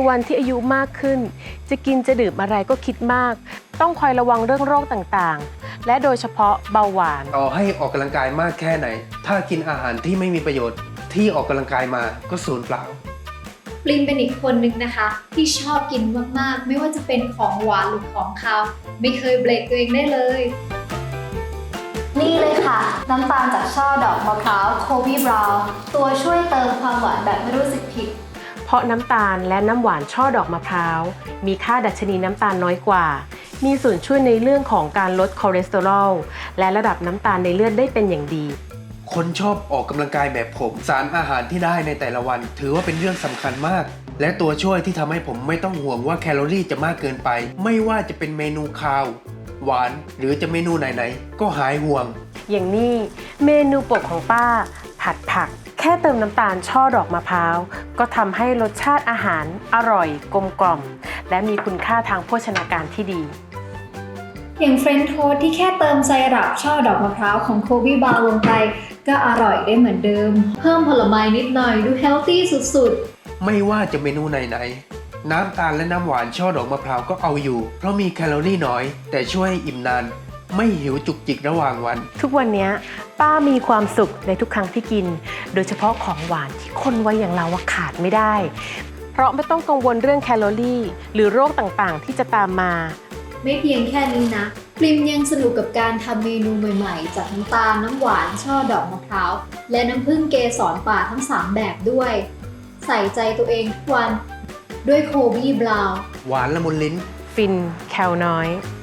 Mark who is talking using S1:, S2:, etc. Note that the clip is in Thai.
S1: วันที่อายุมากขึ้นจะกินจะดื่มอะไรก็คิดมากต้องคอยระวังเรื่องโรคต่างๆและโดยเฉพาะเบาหวาน
S2: ต่อให้ออกกำลังกายมากแค่ไหนถ้ากินอาหารที่ไม่มีประโยชน์ที่ออกกำลังกายมาก็สูญเปล่า
S3: ปลินเป็นอีกคนนึงนะคะที่ชอบกินมากๆไม่ว่าจะเป็นของหวานหรือของคาวไม่เคยเบรกตัวเองได้เลย
S4: นี่เลยค่ะน้ำตาลจากช่อดอกมะพร้าวโคบีบราวน์ตัวช่วยเติมความหวานแบบไม่รู้สึกผิด
S1: เพราะน้ำตาลและน้ำหวานช่อดอกมะพร้าวมีค่าดัชนีน้ำตาลน้อยกว่ามีส่วนช่วยในเรื่องของการลดคอเลสเตอรอลและระดับน้ำตาลในเลือดได้เป็นอย่างดี
S2: คนชอบออกกำลังกายแบบผมสารอาหารที่ได้ในแต่ละวันถือว่าเป็นเรื่องสำคัญมากและตัวช่วยที่ทำให้ผมไม่ต้องห่วงว่าแคลอรี่จะมากเกินไปไม่ว่าจะเป็นเมนูคาวหวานหรือจะเมนูไหนๆก็หายห่วง
S1: อย่างนี้เมนูโปรดของป้าผัดผักแค่เติมน้ำตาลช่อดอกมะพร้าวก็ทำให้รสชาติอาหารอร่อยกลมกล่อมและมีคุณค่าทางโภชนาการที่ดี
S3: อย่างเฟรนช์โทสต์ที่แค่เติมไซรัปช่อดอกมะพร้าวของโคบีบราวน์ลงไปก็อร่อยได้เหมือนเดิมเพิ่มผลไม้นิดหน่อยดูเฮลตี้สุด
S2: ๆไม่ว่าจะเมนูไหนๆน้ำตาลและน้ำหวานช่อดอกมะพร้าวก็เอาอยู่เพราะมีแคลอรี่น้อยแต่ช่วยให้อิ่มนานไม่หิวจุกจิกระหว่างวัน
S1: ทุกวันนี้ป้ามีความสุขในทุกครั้งที่กินโดยเฉพาะของหวานที่คนวัยอย่างเราขาดไม่ได้เพราะไม่ต้องกังวลเรื่องแคลอรี่หรือโรคต่างๆที่จะตามมา
S3: ไม่เพียงแค่นี้นะปริมยังสนุกกับการทำเมนูใหม่ๆจากน้ำตาลน้ำหวานช่อดอกมะพร้าวและน้ำผึ้งเกสรป่าทั้ง3แบบด้วยใส่ใจตัวเองทุกวันด้วยโคบีบราวน์
S2: หวานละมุนลิ้น
S1: ฟินแคลน้อย